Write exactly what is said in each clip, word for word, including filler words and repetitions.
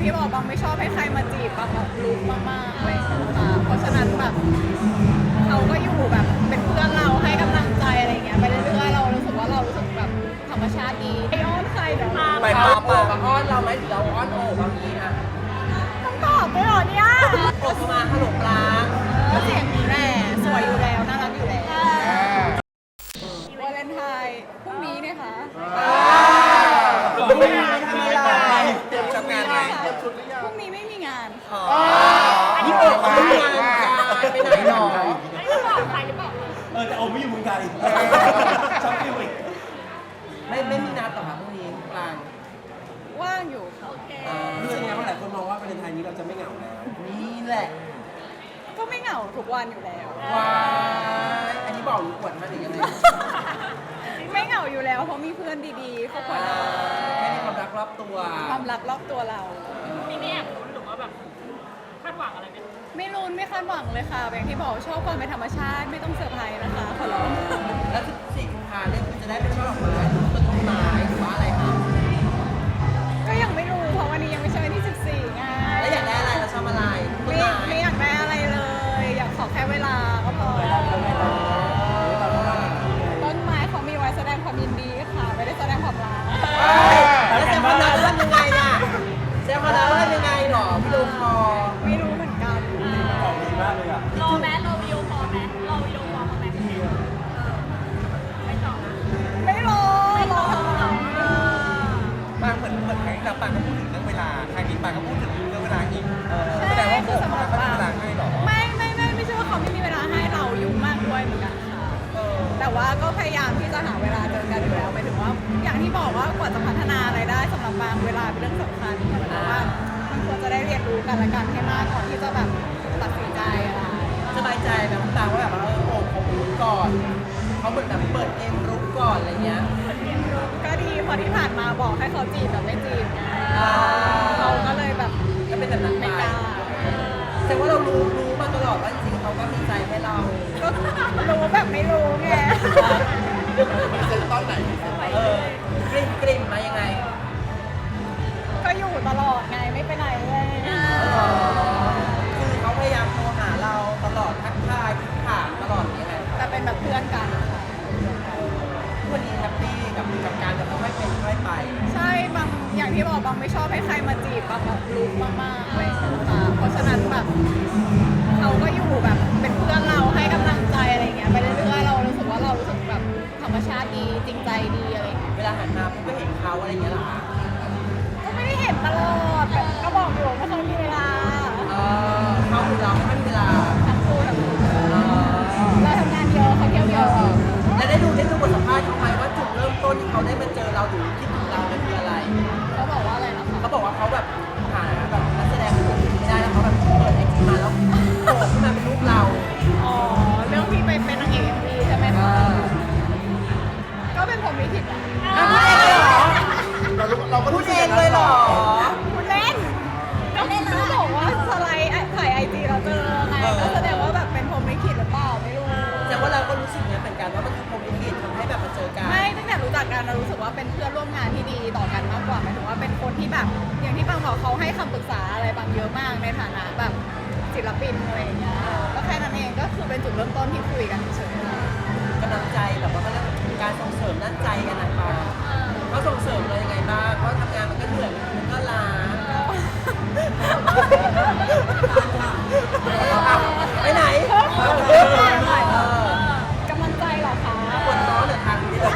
ที่บอกบางไม่ชอบให้ใครมาจีบบางแบบรู้มากๆเลยค่ะเพราะฉะนั้นแบบเขาก็อยู่แบบเป็นเพื่อนเราให้กำลังใจอะไรเงี้ยไปเรื่อยๆเรารู้สึกว่าเรารู้สึกแบบธรรมชาติดีไออ้อนใครเดี๋ยวไปพาโอบกับอ้อนเราไหมหรือเราอ้อนโอบบางทีอะต้องตอบไปหรอเนี่ยโอบเข้ามาฮัลโหลปลาก็เสียงดีแหละสวยอยู่แล้วน่ารักอยู่แล้ววาเลนไทน์พรุ่งนี้เนี่ยค่ะไม่มีทำอะไรเตรียมทำงานไหมพรุ่งนี้ไม่มีงานนี่โอบเขาไม่งานไปไหนหรอเออแต่โอไม่อยู่เมืองไทยชอบที่อีกไม่ไม่มีนัดต่อค่ะพรุ่งนี้กลางว่างอยู่ค่ะรู้สึกไงว่าหลายคนมองว่าประเทศไทยนี้เราจะไม่เหงาแล้วนี่แหละก็ไม่เหงาทุกวันอยู่แล้วว้ายอันนี้บอกหรืออวดมาหรือยังไงไม่เหงาอยู่แล้วเพราะมีเพื่อนดีๆครอบครัวแค่มีความรักรอบตัวความรักรอบตัวเรามีไม่อยากรู้หรือว่าแบบคาดหวังอะไรไหมไม่รุนไม่คาดหวังเลยค่ะอย่างที่บอกชอบความเป็นธรรมชาติไม่ต้องเซอร์ไพรส์นะคะขอร้องแล้วสิบสี่กุมภาเนี่ยคุณจะได้เป็นช่อดอกไม้หรือต้นไม้หรือว่าอะไรคะก็ยังไม่รู้เพราะวันนี้ยังไม่ใช่วันที่สิบสี่ไงแล้วอยากได้อะไรเราชอบอะไรต้นไม่ไม้ไม่อยากได้อะไรเลย อยากขอแค่เวลาก็พอต้นไม้เขามีไว้แสดงความยินดีค่ะไม่ได้แสดงความรักแล้วแซมคอนดักทำยังไงน่ะแซมคอนดักทำยังไงหรอพี่ลูกคอไม่รู้เหมือนกันของดีมากเลยอ่ะรอแม้รอวิดีโอคอลไหมรอวิดีโอคอลเขาไหมไม่ตอบนะไม่รอรอทำไมปางเหมือนเหมือนครั้งที่แล้วปางก็พูดถึงเรื่องเวลาครั้งนี้ปางก็พูดถึงเรื่องเวลาอีกแสดงว่าโอบเขาไม่มีเวลาให้หรอไม่ไม่ไม่ไม่ใช่ว่าเขาไม่มีเวลาให้เรายุ่งมากด้วยเหมือนกันค่ะแต่ว่าก็พยายามที่จะหาเวลาเจอกันอยู่แล้วหมายถึงว่า อย่างที่บอกว่ากว่าจะพัฒนาอะไรได้สำหรับบางเวลาเป็นเรื่องสำคัญเหมือนกับว่ามันควรจะได้เรียนรู้กันและกันให้มากก่อนที่จะแบบตัดสินใจอะไรสบายใจแบบต่างว่าแบบเออโอบเขารู้ก่อนเขาเหมือนแบบเปิดเกมรู้ก่อนอะไรเงี้ยก็ดีพอที่ผ่านมาบอกให้เขาจีบแบบไม่จีบไงเราก็เลยแบบก็เป็นแบบนั้นไปไม่กล้าแต่ว่าเรารู้รู้มาตลอดว่าจริงๆเขาก็มีใจให้เราก็รู้แบบไม่รู้ไงเออกลิ่มกลิ่มมายังไงก็อยู่ตลอดไงไม่ไปไหนเลยคือเขาพยายามโทรหาเราตลอดทักทายถามตลอดอย่างเงี้ยแหละแต่เป็นแบบเพื่อนกันค่ะวันนี้แฮปปี้กับกับการแบบค่อยเป็นค่อยไปใช่บางอย่างที่บอกบางไม่ชอบให้ใครมาจีบบางแบบรู้มากๆเลยค่ะเพราะฉะนั้นแบบเขาก็อยู่แบบเป็นเพื่อนเราให้กำลังใจอะไรเงี้ยไปเรื่อยๆเรารู้สึกว่าเรารู้สึกแบบธรรมชาติดีจริงใจดีอะไรเงี้ยเวลาหันมาปุ๊บก็เห็นเขาอะไรอย่างเงี้ยเหรอคะก็ไม่ได้เห็นตลอดแต่ก็บอกอยู่ไม่เคยมีเวลาเออเขาคือเราไม่มีเวลาทั้งคู่ทั้งคู่เออเราทำงานเยอะเขาเที่ยวเยอะแล้วได้ดูได้ดูบทสัมภาษณ์เขาไหมว่าจุดเริ่มต้นที่เขาได้มาเจอเราหรือคิดถึงเราเนี่ยคืออะไรเขาบอกว่าอะไรนะคะเขาบอกว่าเขาแบบหาแบบนักแสดงคนอื่นไม่ได้แล้วเขาแบบเปิดไอจีมาแล้วโผล่ขึ้นมาเป็นรูปเราอ๋อเรื่องที่ไปเป็นนางเอกเอ็มวีใช่ไหมเอคะอก็เป็นผมลิขิตอะอ่ะพูดเองเลยเหรอเราก็พูดเองเลยเหรอคุณเล่นก็ก็บอกว่าสไลด์ถ่ายไอจีเราเจอไงก็แสดงว่าแบบเป็นผมลิขิตหรือเปล่าไม่รู้แต่ว่าเราก็รู้สึกเนี่ยเหมือนกันว่ามันคือพรหมลิขิตทำให้แบบมาเจอกันไม่ตั้งแต่รู้จักกันเรารู้สึกว่าเป็นเพื่อนร่วมงานที่ดีต่อกันมากกว่าหมายถึงว่าเป็นคนที่แบบอย่างที่บางบอกเขาให้คำปรึกษาอะไรบางเยอะมากในฐานะแบบศิลปินอะไรอย่างเงี้ยก็แค่นั้นเองก็คือเป็นจุดเริ่มต้นที่คุยกันเฉยๆกำลังใจแบบว่าเขาเรียกการส่งเสริมด้านใจกันนะคะเขาส่งเสริมเรายังไงบ้างเพราะทำงานมันก็เหนื่อยมันก็ล้าไปไหนเออกำลังใจเหรอคะปวดท้องเหรือทางนี้เลย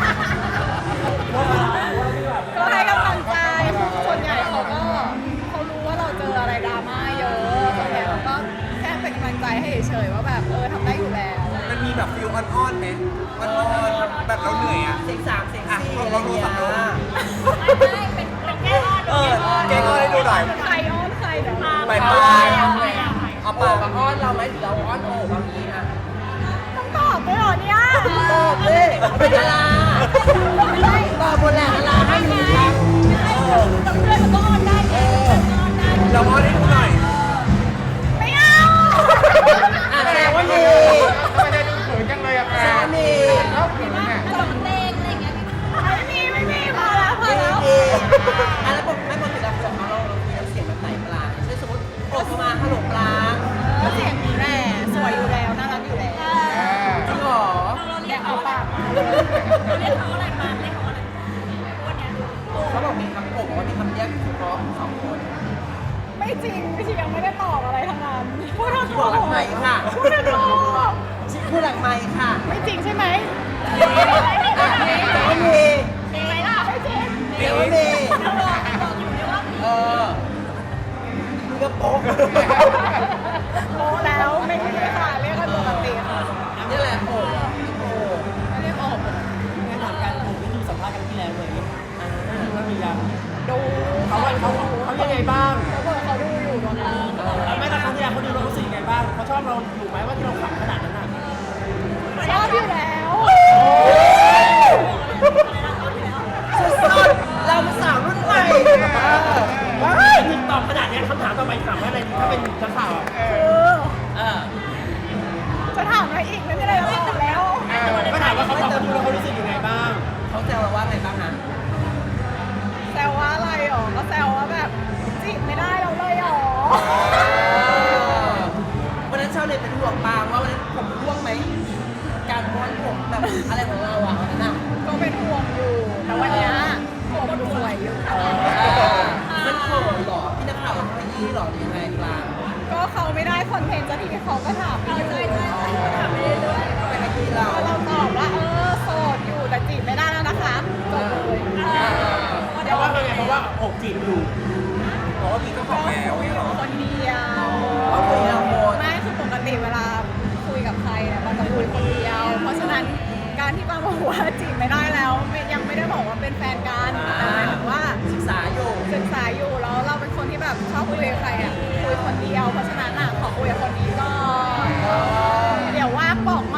ก็ให้กำลังใจส่วนใหญ่เขาก็เขารู้ว่าเราเจออะไรดราม่าเยอะส่วนใหญ่เขาก็แค่เป็นกำลังใจให้เฉยๆว่าแบบเออทำได้อยู่แล้วมันมีแบบฟิลอ่อนๆไหมอ่อนๆแบบเราเหนื่อยอ่ะเสียงสามเสียงสี่อะไรเงี้ยไม่ไม่เป็นเป็นแค่อ้อนเออแกก็ให้ดูหน่อยใครอ้อนใครเดี๋ยวไปไปไปเอาปากกับอ้อนเราไหมหรือเราอ้อนโอบบางทีอ่ะต้องตอบด้วยเหรอเนี่ยตอบเลยเป็นดาราตอบบนแหละดาราให้หนึ่งครั้งกับเพื่อนมันก็อ้อนได้ไงเพื่อนก็อ้อนได้เราอ้อนให้ดูหน่อยไม่เอาอ่ะแสดงว่ามีทำไมได้ดูเขินจังเลยอ่ะแสดงว่ามีเขาเขินเนี่ยสองเพลงอะไรอย่างเงี้ยไม่มีไม่มีพอแล้วพอมีแล้วมีอ่ะแล้วปกไม่ปกติเราคุยกับเขาเราเราคุยน้ำเสียงแบบเพราะสองคนไม่จริงพี่ชียังไม่ได้ตอบอะไรทั้งนั้นพูดทั้งที่บอกหลังใหม่ค่ะพูดทั้งโลกพูดหลังใหม่ค่ะไม่จริงใช่ไหมแต่ว่ามีจริงไหมล่ะไม่จริงแต่ว่ามีบอกบอกอยู่เนี่ยว่าเออมึงก็โป๊กโมแล้วไม่มีค่ะเรียกกันปกติค่ะนี่แหละโป๊กโป๊กไม่ได้บอกงั้นถามการผมที่ดูสัมภาษณ์กันที่แล้วเลยว่ามียังดูเขาว่าเขาเขายังไงบ้างเขาบอกเขาดูอยู่ตอนนั้นไม่แต่ครั้งที่แล้วเขาดูเรารู้สึกยังไงบ้างเขาชอบเราอยู่ไหมว่าที่เราขำขนาดนั้นน่ะชอบอยู่แล้วสุดๆเราเป็นสาวรุ่นใหม่ว้ายถึงตอบขนาดนี้คำถามต่อไปถามว่าอะไรดีถ้าเป็นนักข่าวอะคือเออจะถามอะไรอีกไม่มีอะไรจะตอบแล้วก็ถามว่าเขาตอบดูแล้วเขารู้สึกยังไงบ้างเขาแซวเราว่าไงบ้างฮะแซวว่าอะไรหรอก็แซวว่าแบบจีบไม่ได้เราเลยหรอวันนั้นชาวเน็ตเป็นห่วงปางว่าวันนั้นผมร่วงไหม การม้วนผมแบบอะไรของเราอ่ะวันนั้นอ่ะก็เป็นห่วงอยู่แต่วันเนี้ยผมดูสวยอยู่มันโผล่หรอพี่นักข่าวขยี้หรอหรือยังไงปางก็เขาไม่ได้คอนเทนต์สักทีเขาก็ถามไปเรื่อยๆถามไปเรื่อยไปขยี้เราๆเราตอบว่าเออโสดอยู่แต่จีบไม่ได้แล้วนะคะจบเลยเพราะว่าไงเพราะว่าอกจีบอยู่เพราะว่ามีเจ้าของแล้วเนี่ยเหรอคนเดียวเอาคุยเราโหดไม่คือปกติเวลาคุยกับใครเนี่ยมันจะคุยคนเดียว เพราะฉะนั้นการที่ป้าบอกว่าจีบไม่ได้แล้วไม่ยังไม่ได้บอกว่าเป็นแฟนกันแต่หมายถึงว่าศึกษาอยู่ศึกษาอยู่แล้วเราเป็นคนที่แบบชอบคุยกับใครอ่ะคุยคนเดียว เพราะฉะนั้นอ่ะขอคุยกับคนนี้ก่อนเดี๋ยวว่างบอกใหม่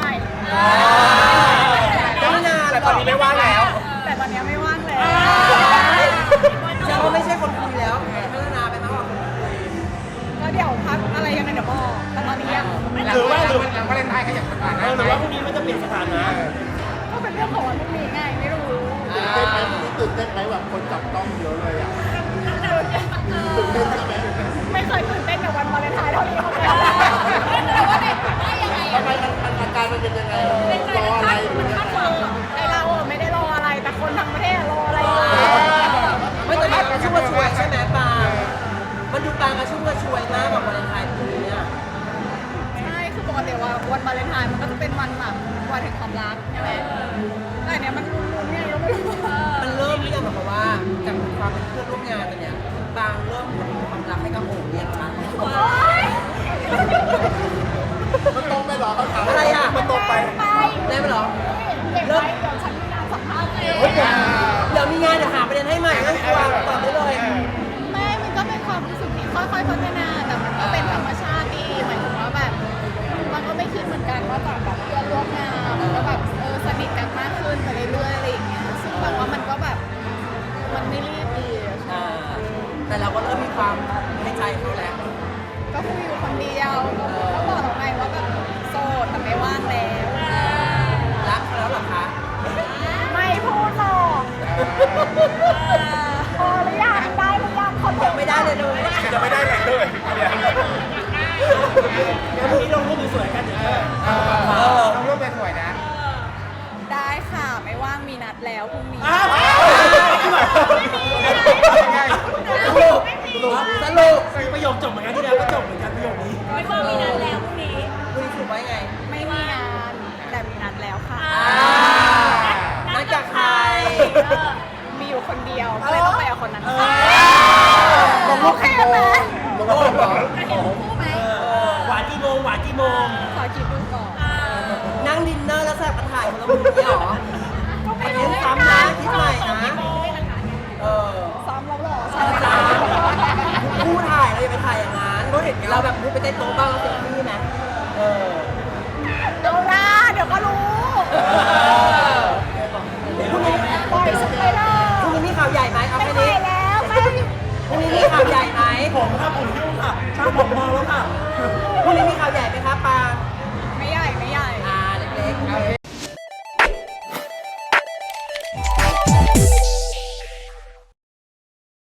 ก็ไม่นานแต่ตอนนี้ไม่ว่างแล้วแต่ตอนนี้ไม่ว่างแล้วแสดงว่าไม่ใช่คนคุยแล้วพัฒนาไปมากกว่าคนคุยแล้วเดี๋ยวพักอะไรยังไงเดี๋ยวบอกแต่ตอนนี้ยังหรือว่าหรือหลังวาเลนไทน์ขยับสถาเอนะอหไหมรือว่าพรุ่งนี้มันจะเปลี่ยนสถานะก็เป็นเรื่องของวันพรุ่งนี้ไงไม่รู้อ่าตื่นเต้นไหมแบบคนจับต้องเยอะเลยอ่ะตื่นเต้นใช่ไหมไม่เคยตื่นเต้นกับวันวาเลนไทน์เท่านี้มาก่อนแต่ว่าในว่ายังไงทำไมมันมันอาการมันเป็นยังไงรออะไรหรือยังไงไอเราอะไม่ได้รออะไรแต่คนทั้งประเทศรออะไรอยู่ไม่แต่มันกระชุ่มกระชวยใช่ไหมปางมันดูปางกระชุ่มกระชวยมากแบบวาเลนไทน์ปีนี้เนี่ยใช่คือปกติว่าวันวาเลนไทน์มันก็จะเป็นวันแบบวันแห่งความรักใช่ไหมแต่อันเนี้ยมันลุ้นๆเนี่ยก็ไม่รู้มันเริ่มหรือยังแบบว่าจากความเป็นเพื่อนร่วมงานกันเนี่ยบางเริ่มผลความรักให้กับโอ๋เนี่ยค่ะมันตรงไปเหรอเขาถามอะไรอ่ะมันตรงไปไปได้ไหมเหรอเก็บไว้เดี๋ยวฉันมีงานสัมภาษณ์เองเฮ้ยเดี๋ยวเดี๋ยวมีงานเดี๋ยวหาประเด็นให้ใหม่งั้นวางตอบได้เลยไม่มันก็เป็นความรู้สึกที่ค่อยๆพัฒนาแต่มันก็เป็นธรรมชาติดีหมายถึงว่าแบบมันก็ไม่คิดเหมือนกันว่าจากแบบเพื่อนร่วมงานมันก็แบบเออสนิทกันมากขึ้นไปเรื่อยๆอะไรอย่างเงี้ยซึ่งแบบว่ามันก็แบบมันไม่รีบดีอะอ่าแต่เราก็เริ่มมีความให้ใจเขาแล้วก็คุยอยู่คนเดียวก็บอกตรงไหนว่าแบบโสดแต่ไม่ว่างแล้วรักเขาแล้วเหรอคะไม่พูดหรอกพอหรือยังได้หรือยังคนยังไม่ได้เลยเลยจะไม่ได้ไหนเลยเดี๋ยวพรุ่งนี้ลงรูปสวยๆกันเดี๋ยวจะเออต้องรูปสวยๆนะได้ค่ะไม่ว่างมีนัดแล้วพรุ่งนี้อ้าวยังไงสรุปสรุปประโยคจบเหมือนกันที่แล้วก็จบเหมือนกันประโยคนี้ไม่ว่ามีนัดแล้วพรุ่งนี้คุณสรุปไว้ไงไม่มีงานแต่มีนัดแล้วค่ะนัดกับใครมีอยู่คนเดียวก็เลยต้องไปกับคนนั้นค่ะลงรูปกี่โมงลงรูปเหรอจะเห็นคู่ไหมหวานกี่โมงหวานกี่โมงขอคิดดูก่อนนั่งดินเนอร์แล้วแซ่บมาถ่ายคนละมุมนี้เหรออันนี้ซ้ำนะคิดใหม่นะเออซ้อมแล้วเหรอซ้ำนะคู่ถ่ายเราอย่าไปถ่ายอย่างนั้นเราแบบพูดไปเต้นโต๊ะบ้างเราเซ็กซี่ไหมเออเดี๋ยวนะเดี๋ยวก็รู้เออ